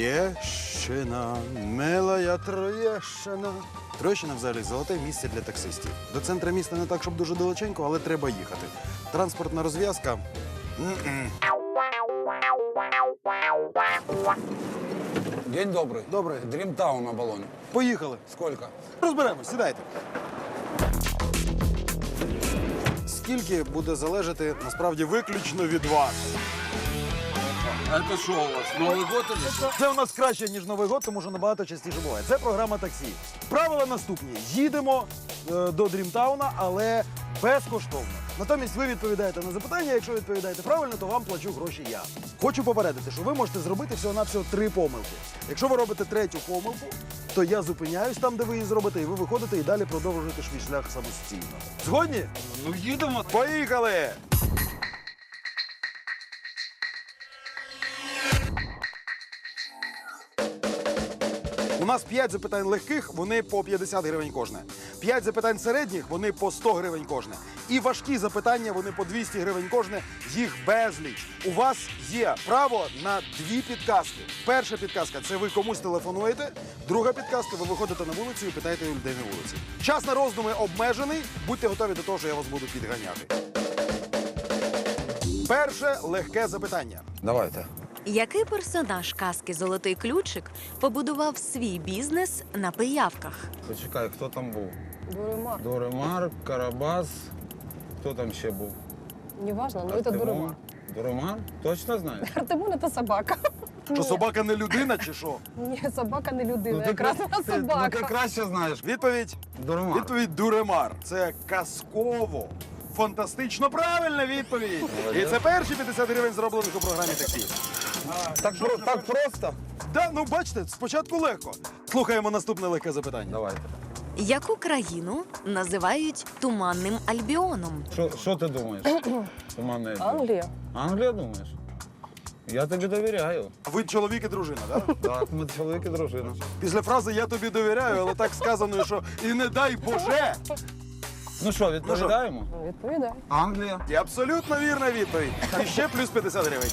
Троєщина, милая Троєщина. Троєщина взагалі золоте місце для таксистів. До центру міста не так, щоб дуже далеченько, але треба їхати. Транспортна розв'язка. День добрый. Добрий. Дримтаун на баллоне. Поїхали. Сколько? Розберемось, сідайте. Скільки буде залежати, насправді, виключно від вас? Это что у вас, Новый год или что? Це у нас краще, ніж Новий год, тому що набагато частіше буває. Це програма таксі. Правила наступні. Їдемо до Дрімтауна, але безкоштовно. Натомість ви відповідаєте на запитання. Якщо відповідаєте правильно, то вам плачу гроші я. Хочу попередити, що ви можете зробити всього-навсього 3 помилки. Якщо ви робите 3-ю помилку, то я зупиняюсь там, де ви її зробите, і ви виходите і далі продовжуєте свій шлях самостійно. Згодні? Ну їдемо. Поїхали! У нас 5 запитань легких, вони по 50 гривень кожне. 5 запитань середніх, вони по 100 гривень кожне. І важкі запитання, вони по 200 гривень кожне, їх безліч. У вас є право на 2 підказки. Перша підказка – це ви комусь телефонуєте. Друга підказка – ви виходите на вулицю і питаєте у людей на вулиці. Час на роздуми обмежений, будьте готові до того, що я вас буду підганяти. Перше легке запитання. Давайте. Який персонаж казки «Золотий ключик» побудував свій бізнес на пиявках? Почекай, хто там був? Дуремар. Дуремар, Карабас. Хто там ще був? Неважно, но это Дуремар. Дуремар? Точно знаєш? Артемон – это собака. Що, собака не людина чи що? Ні, собака не людина, якраз вона Ну ти собака. краще знаєш. Відповідь. Дуремар. Відповідь Дуремар. Це казково. Фантастично правильна відповідь. І це перші 50 гривень, зроблених у програмі таксі. Так просто? Да, ну бачите, спочатку легко. Слухаємо наступне легке запитання. Давайте. Яку країну називають Туманним Альбіоном? Що ти думаєш? Туманне. Англія. Англія думаєш? Я тобі довіряю. Ви чоловік і дружина, так? Так, ми чоловік і дружина. Після фрази «я тобі довіряю», але так сказано, що «і не дай Боже». Ну що, відповідаємо? Ну, відповідай. Англія. І абсолютно вірна відповідь. І ще плюс 50 гривень.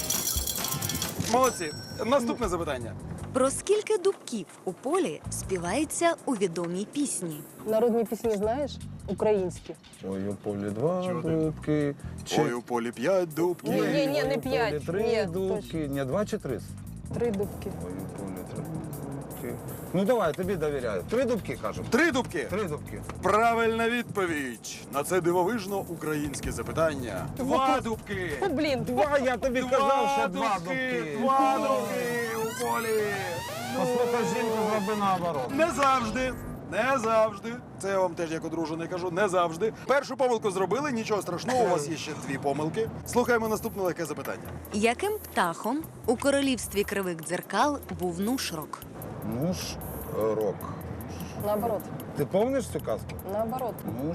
Молодці. Наступне запитання. Про скільки дубків у полі співається у відомій пісні? Народні пісні знаєш? Українські. Ой, у полі 2 дубки. Ой, у полі 5 дубків. Ні, ні, ні, Ой, не у полі 5. 3 Ні, дубки. Ні, 2 чи 3? 3 дубки. Ой, у полі 3 дубки. Ну давай, тобі довіряю. 3 дубки, кажу. 3 дубки. 3 дубки. Правильна відповідь на це дивовижно українське запитання. 2 дубки. О, блін. 2, я тобі казав, що 2 дубки. 2 дубки у полі. Послухай жінку, зроби наоборот. Не завжди. Не завжди. Це я вам теж як одружений кажу, не завжди. Першу помилку зробили, нічого страшного, у вас є ще 2 помилки. Слухаємо наступне легке запитання. Яким птахом у королівстві кривих дзеркал був Нушрок? Муж рок. Наоборот. Ти пам'ятаєш цю казку? Наоборот. Муж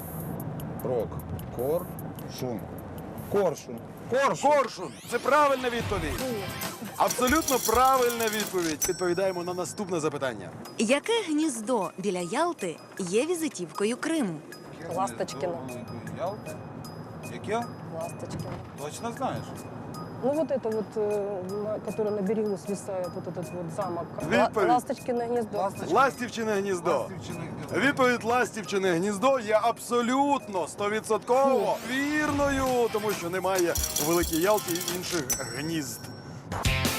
рок. Коршун. Коршун. Коршун. Коршун. Це правильна відповідь. Абсолютно правильна відповідь. Відповідаємо на наступне запитання. Яке гніздо біля Ялти є візитівкою Криму? Ласточкіно. Ялта? Яке? Ласточкино. Точно знаєш? Ну вот это вот, которое на берегу свисает, вот этот вот замок. Відповідь. Ласточкино гнездо. Ластівчине гніздо. Відповідь «Ластівчине гніздо» є абсолютно 100% вірною, тому що немає у Великій Ялті інших гнізд.